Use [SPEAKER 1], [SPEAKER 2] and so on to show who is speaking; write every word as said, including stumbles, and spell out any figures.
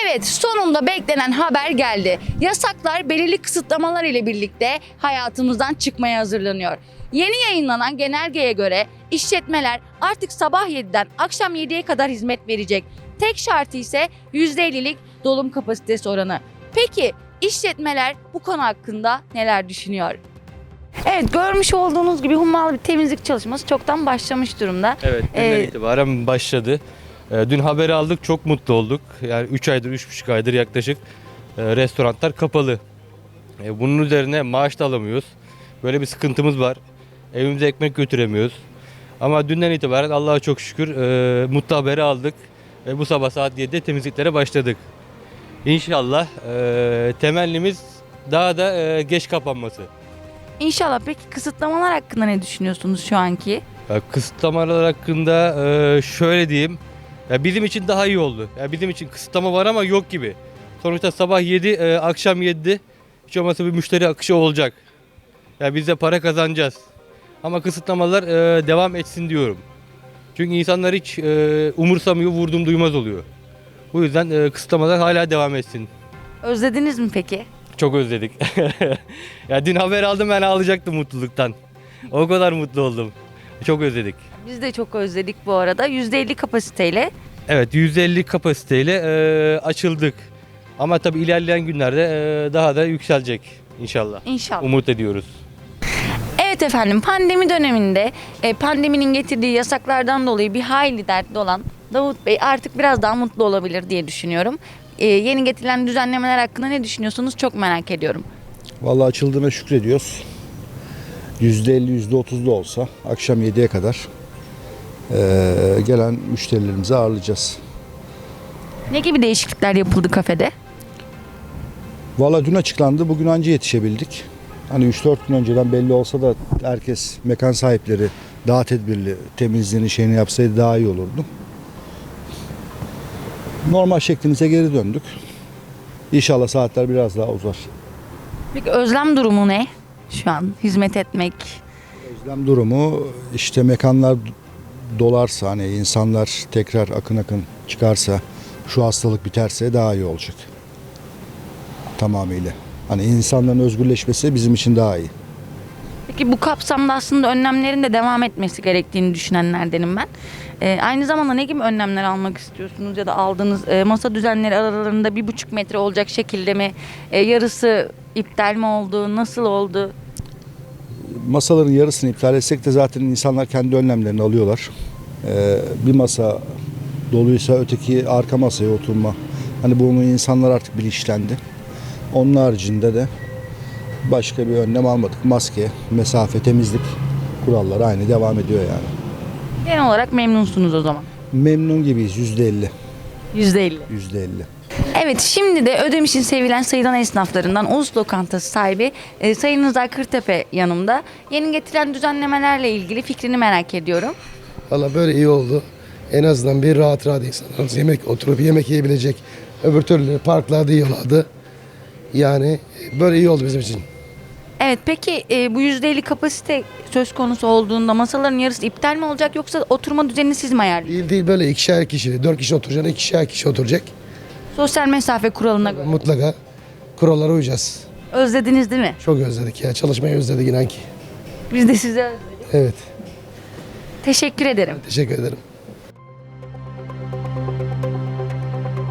[SPEAKER 1] Evet, sonunda beklenen haber geldi. Yasaklar belirli kısıtlamalar ile birlikte hayatımızdan çıkmaya hazırlanıyor. Yeni yayınlanan genelgeye göre işletmeler artık sabah yediden akşam yediye kadar hizmet verecek. Tek şartı ise yüzde ellilik dolum kapasitesi oranı. Peki işletmeler bu konu hakkında neler düşünüyor? Evet, görmüş olduğunuz gibi hummalı bir temizlik çalışması çoktan başlamış durumda.
[SPEAKER 2] Evet, dünden
[SPEAKER 1] Ee,
[SPEAKER 2] itibaren başladı. Ee, Dün haberi aldık, çok mutlu olduk. Yani üç aydır, üç buçuk aydır yaklaşık e, restoranlar kapalı. E, Bunun üzerine maaş da alamıyoruz. Böyle bir sıkıntımız var. Evimize ekmek götüremiyoruz. Ama dünden itibaren Allah'a çok şükür e, mutlu haberi aldık. Ve bu sabah saat yedide temizliklere başladık. İnşallah e, temennimiz daha da e, geç kapanması.
[SPEAKER 1] İnşallah. Peki kısıtlamalar hakkında ne düşünüyorsunuz şu anki?
[SPEAKER 2] Ya kısıtlamalar hakkında e, şöyle diyeyim. Ya bizim için daha iyi oldu. Ya bizim için kısıtlama var ama yok gibi. Sonuçta sabah yedi, e, akşam yedide hiç olmazsa bir müşteri akışı olacak. Ya biz de para kazanacağız. Ama kısıtlamalar e, devam etsin diyorum. Çünkü insanlar hiç e, umursamıyor, vurdum duymaz oluyor. Bu yüzden e, kısıtlamalar hala devam etsin.
[SPEAKER 1] Özlediniz mi peki?
[SPEAKER 2] Çok özledik. Ya dün haber aldım, ben ağlayacaktım mutluluktan. O kadar mutlu oldum. Çok özledik.
[SPEAKER 1] Biz de çok özledik bu arada. yüzde elli kapasiteyle.
[SPEAKER 2] Evet, yüz elli kapasiteyle e, açıldık. Ama tabii ilerleyen günlerde e, daha da yükselecek inşallah.
[SPEAKER 1] İnşallah.
[SPEAKER 2] Umut ediyoruz.
[SPEAKER 1] Evet efendim, pandemi döneminde e, pandeminin getirdiği yasaklardan dolayı bir hayli dertli olan Davut Bey artık biraz daha mutlu olabilir diye düşünüyorum. E, yeni getirilen düzenlemeler hakkında ne düşünüyorsunuz çok merak ediyorum.
[SPEAKER 3] Vallahi açıldığına şükrediyoruz. yüzde elli, yüzde otuz da olsa akşam yediye kadar eee, gelen müşterilerimizi ağırlayacağız.
[SPEAKER 1] Ne gibi değişiklikler yapıldı kafede?
[SPEAKER 3] Vallahi dün açıklandı, bugün anca yetişebildik. Hani üç dört gün önceden belli olsa da herkes, mekan sahipleri daha tedbirli, temizliğini şeyini yapsaydı daha iyi olurdu. Normal şeklimize geri döndük. İnşallah saatler biraz daha uzar.
[SPEAKER 1] Peki özlem durumu ne? Şu an hizmet etmek.
[SPEAKER 3] Özlem durumu işte mekanlar dolarsa, hani insanlar tekrar akın akın çıkarsa, şu hastalık biterse daha iyi olacak. Tamamıyla. Hani insanların özgürleşmesi bizim için daha iyi.
[SPEAKER 1] Peki bu kapsamda aslında önlemlerin de devam etmesi gerektiğini düşünenlerdenim ben. Ee, aynı zamanda ne gibi önlemler almak istiyorsunuz ya da aldığınız e, masa düzenleri aralarında bir buçuk metre olacak şekilde mi? E, yarısı iptal mi oldu? Nasıl oldu?
[SPEAKER 3] Masaların yarısını iptal etsek de zaten insanlar kendi önlemlerini alıyorlar. Ee, bir masa doluysa öteki arka masaya oturma. Hani bunu insanlar artık bilinçlendi. Onun haricinde de başka bir önlem almadık. Maske, mesafe, temizlik kuralları aynı devam ediyor yani.
[SPEAKER 1] Genel olarak memnunsunuz o zaman.
[SPEAKER 3] Memnun gibiyiz, yüzde elli.
[SPEAKER 1] yüzde elli.
[SPEAKER 3] yüzde elli.
[SPEAKER 1] Evet, şimdi de Ödemiş'in sevilen sayılan esnaflarından Ulus Lokantası sahibi e, Sayın Rıza Kırtepe yanımda. Yeni getirilen düzenlemelerle ilgili fikrini merak ediyorum.
[SPEAKER 4] Valla böyle iyi oldu. En azından bir rahat rahat insanlar yemek oturup yemek yiyebilecek. Öbür türlü parklarda yiyorlardı. Yani böyle iyi oldu bizim için.
[SPEAKER 1] Evet, peki e, bu yüzde elli kapasite söz konusu olduğunda masaların yarısı iptal mi olacak yoksa oturma düzenini siz mi ayarlıyorsunuz?
[SPEAKER 4] Değil değil böyle ikişer kişi, dört kişi oturacak, ikişer kişi oturacak.
[SPEAKER 1] Sosyal mesafe kuralına göre.
[SPEAKER 4] Mutlaka kurallara uyacağız.
[SPEAKER 1] Özlediniz değil mi?
[SPEAKER 4] Çok özledik ya. Çalışmayı özledik inan ki.
[SPEAKER 1] Biz de sizi özledik.
[SPEAKER 4] Evet.
[SPEAKER 1] Teşekkür ederim.
[SPEAKER 4] Teşekkür ederim.